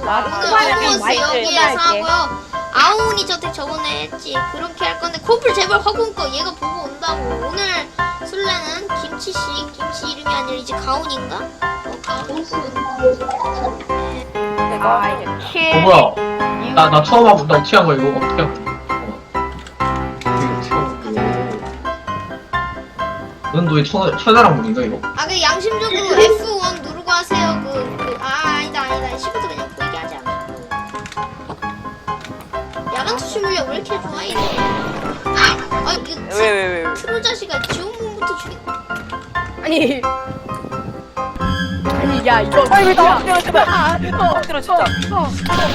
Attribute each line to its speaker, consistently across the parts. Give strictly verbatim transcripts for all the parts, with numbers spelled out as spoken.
Speaker 1: 오늘 호버스 여기에서 하고요. 아웅이 저택 저번에 했지. 그렇게 할 건데 코플 제발 화공 꺼. 얘가 보고 온다고. 오늘 술래는 김치씨. 김치 이름이 아니라 이제 가온인가? 어 가온.
Speaker 2: 내가
Speaker 3: 아 이제
Speaker 4: 어 뭐야? 나 나 처음 하고 나 취한 거 이거 어떻게 하고? 넌 너의 천 천하랑 문인가 이거?
Speaker 1: 아 그 양심적으로 에프 원 누르고 하세요. 그 그 아 아니다 아니다. 시부터 그냥 보이게 하지 않아. 야간 투시 물량 왜 이렇게 좋아 이래? 아 이게
Speaker 2: 왜 왜 왜?
Speaker 1: 트롤 자식아 지원문부터 죽이.
Speaker 3: 아니 아니 야 이거
Speaker 2: 아니 왜나
Speaker 3: 야,
Speaker 2: 엎드려 제발.
Speaker 3: 아, 어,
Speaker 2: 엎드려 진짜.
Speaker 3: 어.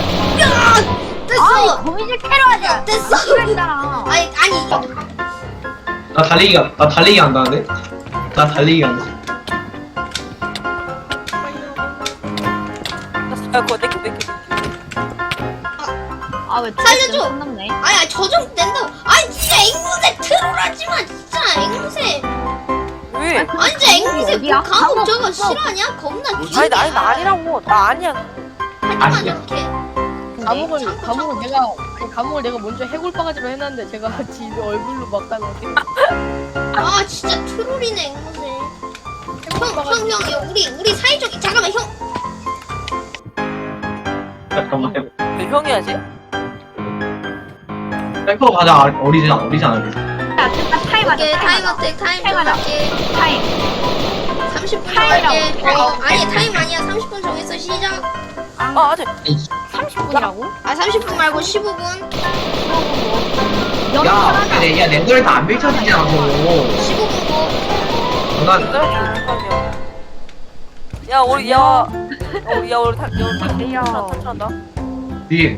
Speaker 1: 됐어.
Speaker 3: 거미줄 캐러 하자.
Speaker 1: 됐어.
Speaker 3: 그랬잖아.
Speaker 1: 아니 아니.
Speaker 4: 나 달리기가 나 달리기 한다는데? 나 달리기 한다.
Speaker 2: 야 그거 내켜 내켜.
Speaker 3: 아왜
Speaker 1: 살려줘.
Speaker 3: 끝났네.
Speaker 1: 아니 아니 저정 낸다고. 아니 진짜 앵무새 트롤하지마 진짜 앵무새.
Speaker 2: 왜?
Speaker 1: 아니 진짜 앵무새
Speaker 3: 어디야?
Speaker 1: 그 감옥
Speaker 3: 감옥
Speaker 1: 저거
Speaker 3: 없어.
Speaker 1: 실화냐? 겁나 귀엽게.
Speaker 2: 아니 나 아니 나 아니라고. 나 아니야.
Speaker 1: 하지만
Speaker 4: 아니야.
Speaker 1: 이렇게.
Speaker 3: 감옥을
Speaker 1: 참고,
Speaker 3: 감옥을
Speaker 1: 참고.
Speaker 3: 내가 그 감옥을 내가 먼저 해골바가지로 해놨는데 제가 지 얼굴로 막다가
Speaker 1: 아 진짜 트롤이네 앵무새. 형형 형, 형, 우리 우리 사이좋게 잠깐만 형.
Speaker 4: 잠깐만.
Speaker 2: 왜 형이야지?
Speaker 4: 셀프 가자 어리지 않아 어리지 않아.
Speaker 3: 야 됐다 타임 하자
Speaker 1: 오케이 타임 어택 타임 좀
Speaker 3: 타임
Speaker 1: 할게.
Speaker 3: 타임
Speaker 1: 삼십 분
Speaker 3: 타임이라고.
Speaker 1: 정할게. 어 아니 타임 아니야. 삼십 분 정했어 시작.
Speaker 2: 아 아직.
Speaker 3: 삼십 분이라고?
Speaker 1: 아 삼십 분 말고 십오 분.
Speaker 4: 야, 내, 야, 내 노래 다안 펼쳐지잖아, 그거.
Speaker 1: 십오 분 고.
Speaker 4: 난,
Speaker 2: 어떡하냐. 야 우리 야. 어, 야 우리 다
Speaker 3: 안녕하세요.
Speaker 2: 탈출한다.
Speaker 4: 뒤에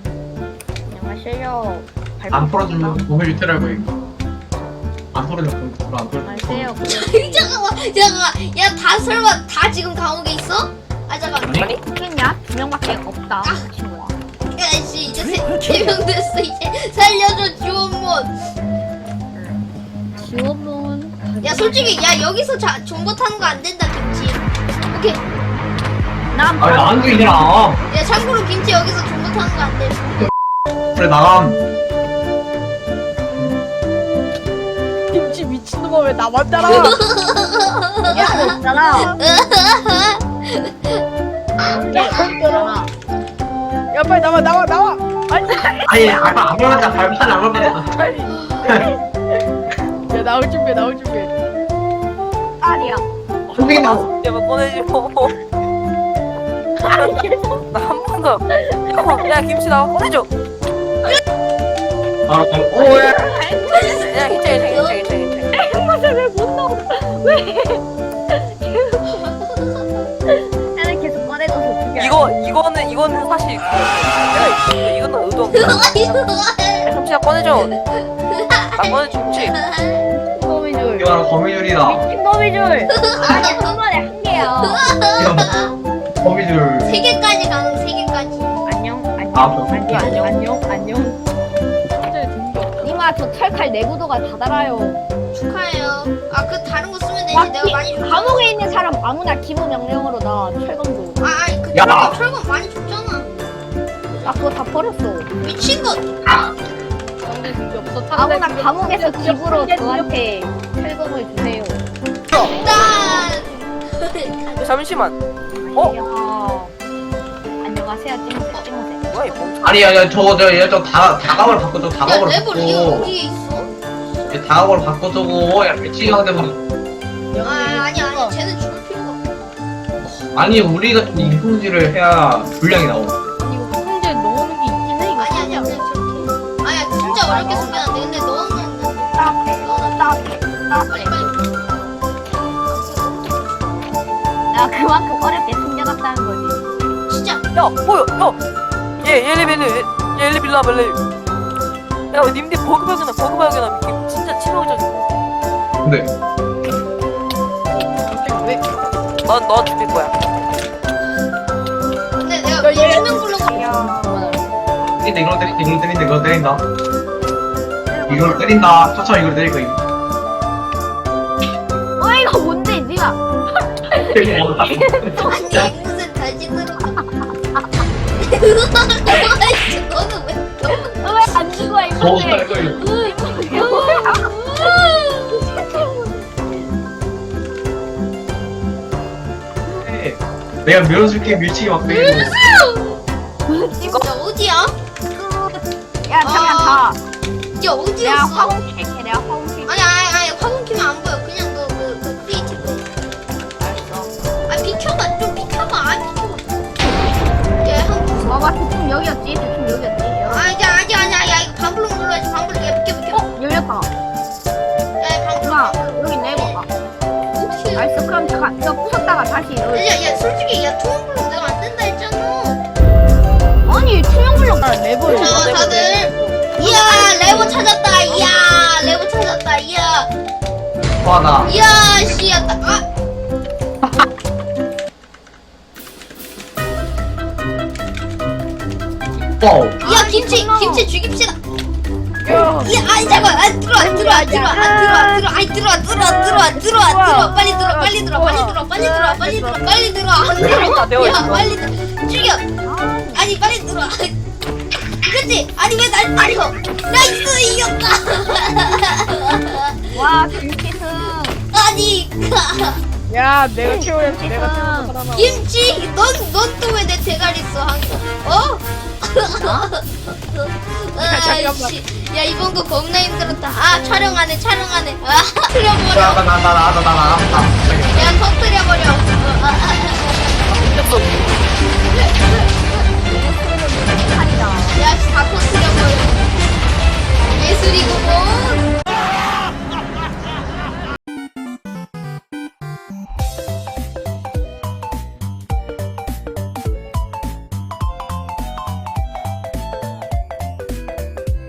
Speaker 3: 안녕하세요.
Speaker 4: 안 풀어주면 몸을 유태라고 해. 안 풀어주면 몸을 안 풀어줘.
Speaker 3: 안녕하세요.
Speaker 1: 잠깐만 잠깐만. 야 다 설마 다 지금 감옥에 있어? 아 잠깐.
Speaker 4: 아니?
Speaker 3: 있겠냐? 두 명밖에 없다. 그 친구가.
Speaker 1: 야씨 이제 세명 됐어 이제 살려줘 지원문.
Speaker 3: 지원문.
Speaker 1: 야 솔직히 야 여기서 자 존버 타는 거 안 된다 김치. 오케이.
Speaker 3: 난
Speaker 4: 아니, 나한테 이래라.
Speaker 1: 야 참고로 김치 여기서 존버 타는 거 안 돼.
Speaker 4: 그래, 나감.
Speaker 3: 김치 미친놈아 왜 나만 따라와? 야 없잖아. 야 없잖아. 야 빨리 나와 나와 나와. 아니
Speaker 4: 아니, 아까 안 걸었다, 발판 안 걸었다.
Speaker 3: 야 나올 준비 나올 준비. 아니야.
Speaker 4: 선생님, 나,
Speaker 2: 제발 꺼내줘. 나 한 번 더. 야, 야 김치 나와 꺼내줘.
Speaker 4: 아, 오, 야.
Speaker 2: 야 괜찮아 괜찮아 괜찮아 괜찮아.
Speaker 3: 앵무새 왜못 나와? 왜? 나는 계속 꺼내줘서 죽여.
Speaker 2: 이거 이거는 이거는 사실 그- 야 이거는 의도 없다. 야, 김치야 꺼내줘. 나 꺼내줘 김치.
Speaker 3: 거미줄.
Speaker 4: 이거 거미줄이다.
Speaker 3: 미친 거미줄. 아니 한 번에 한 개야.
Speaker 4: 이거 거미줄.
Speaker 1: 세 개까지 가능 세 개까지.
Speaker 3: 안녕 안녕
Speaker 4: 아, 뭐,
Speaker 3: 안녕 안녕 안녕 안녕. 니마 저 철칼 내구도가 다 달아요.
Speaker 1: 축하해요. 아 그 다른 거 쓰면 되지.
Speaker 3: 와,
Speaker 1: 내가
Speaker 3: 기-
Speaker 1: 많이 줬.
Speaker 3: 감옥에 있는 사람 아무나 기본 명령으로 나 철검도.
Speaker 1: 아 아니 그
Speaker 4: 야!
Speaker 1: 철거 철거 많이 줬잖아.
Speaker 3: 나 그거 다 버렸어.
Speaker 1: 미친 것.
Speaker 3: 아무나 감옥에서 집으로 저한테 철검을 주세요.
Speaker 1: 짠.
Speaker 2: 잠시만. 어?
Speaker 3: 야. 안녕하세요 찡무새 찡무새.
Speaker 2: 뭐야 이 멍청.
Speaker 4: 아니, 야, 야, 저거, 저, 야, 저 다, 다각을 바꿔, 저
Speaker 1: 야
Speaker 4: 다각을
Speaker 1: 레벨 이게
Speaker 4: 바꿔.
Speaker 1: 어디에 있어?
Speaker 4: 야, 다각을 바꿔, 저거. 야, 미치겠는데, 뭐.
Speaker 1: 아 아니 아니 쟤는 죽을 필요가 없어.
Speaker 4: 아니, 우리가 좀 인성질을 해야 분량이 나오고.
Speaker 3: 이거 성질 넣는 게 있긴 해. 이거
Speaker 1: 아니 아니야 그냥 저렇게. 아니야 진짜 어렵게 쓰면 안 돼. 근데 너는
Speaker 3: 따뜻해
Speaker 1: 너는
Speaker 3: 따뜻해
Speaker 1: 빨리
Speaker 3: 따뜻해.
Speaker 1: 빨리.
Speaker 3: 나 그만큼 어렵게 숨겨놨다는 거지.
Speaker 1: 진짜.
Speaker 2: 야 뭐야 야. 얘 엘리벨리 얘 엘리벨리 라벨리. 야 님들 버그 발견함 버그 발견함 이게 진짜 치명적이야.
Speaker 4: 근데,
Speaker 3: 왜?
Speaker 2: 넌너 죽일 거야.
Speaker 1: 근데 내가 너 투명 블록을.
Speaker 3: 야.
Speaker 4: 때린다, 이걸 때린다, 이걸 때린다, 이걸 때린다. 이걸 때린다. 천천히 이걸 때릴 거임.
Speaker 3: 어 이거 뭔데 니가?
Speaker 4: 때린다.
Speaker 1: 아니 앵무새 다시 들어. 아이씨, 너는 왜?
Speaker 3: 왜안 죽어
Speaker 4: 더
Speaker 3: 이건데?
Speaker 4: 살걸요. 네. 내가 밀어줄게 밀치기 막대.
Speaker 1: 진짜 어디야?
Speaker 3: 야 잠깐 가.
Speaker 1: 이제
Speaker 3: 내가
Speaker 1: 어디였어?
Speaker 3: 화공 킬게. 내가 화공 킬게.
Speaker 1: 아니 아니 아니 화공 키면 안 보여. 그냥 너그 그 크리에이티브.
Speaker 3: 알았어.
Speaker 1: 아 비켜봐 좀 비켜봐. 아 비켜봐. 얘한
Speaker 3: 봐봐 대충 여기였지. 대충 여기였지.
Speaker 1: 아 이제 아니 아니 아니 야 이거 반블록 눌러야지 반블록. 야 비켜 비켜.
Speaker 3: 어 열렸다.
Speaker 1: 야 반블록.
Speaker 3: 누나
Speaker 1: 반블록.
Speaker 3: 여기 있네 봐봐.
Speaker 1: 어떻게?
Speaker 3: 알았어 그럼 잠깐 이거 부쉈다가 다시 열어.
Speaker 1: 야야 솔직히 야 투명블록 내가 안 된다 했잖아.
Speaker 3: 아니 투명 블록 나 레벨.
Speaker 1: 자 다들. 이야 레버 찾았다. 이야 레버 찾았다. 이야
Speaker 4: 화나.
Speaker 1: 이야 씨야 딱 아.
Speaker 4: 와우.
Speaker 1: 야 김치 김치 죽입시다.
Speaker 3: 야.
Speaker 1: 야 아이 잠깐 아 들어와 들어와 들어와 아 들어와 들어와 아이 들어와 들어와 들어와 들어와 들어와 빨리 들어와 빨리 들어와 빨리 들어와 빨리 들어와 빨리 들어와 빨리 들어와 안
Speaker 2: 되어
Speaker 1: 들어와 야
Speaker 2: 있어.
Speaker 1: 빨리 들어 죽여 아니 빨리 들어와 그치 아니 왜 날 때려 나이스 이겼다
Speaker 3: 와 김치승.
Speaker 1: 아니
Speaker 3: 야 내가 키워야지. 내가 키워서
Speaker 1: 김치 넌넌 또 왜 내 대가리 써 항상 어? 아이씨 야 이번 거 겁나 힘들었다 아 촬영하네 촬영하네 아 터뜨려버려
Speaker 4: 나나나나나나나.
Speaker 1: 야 터뜨려버려 어, 아, 아, 아.
Speaker 2: 미쳤어.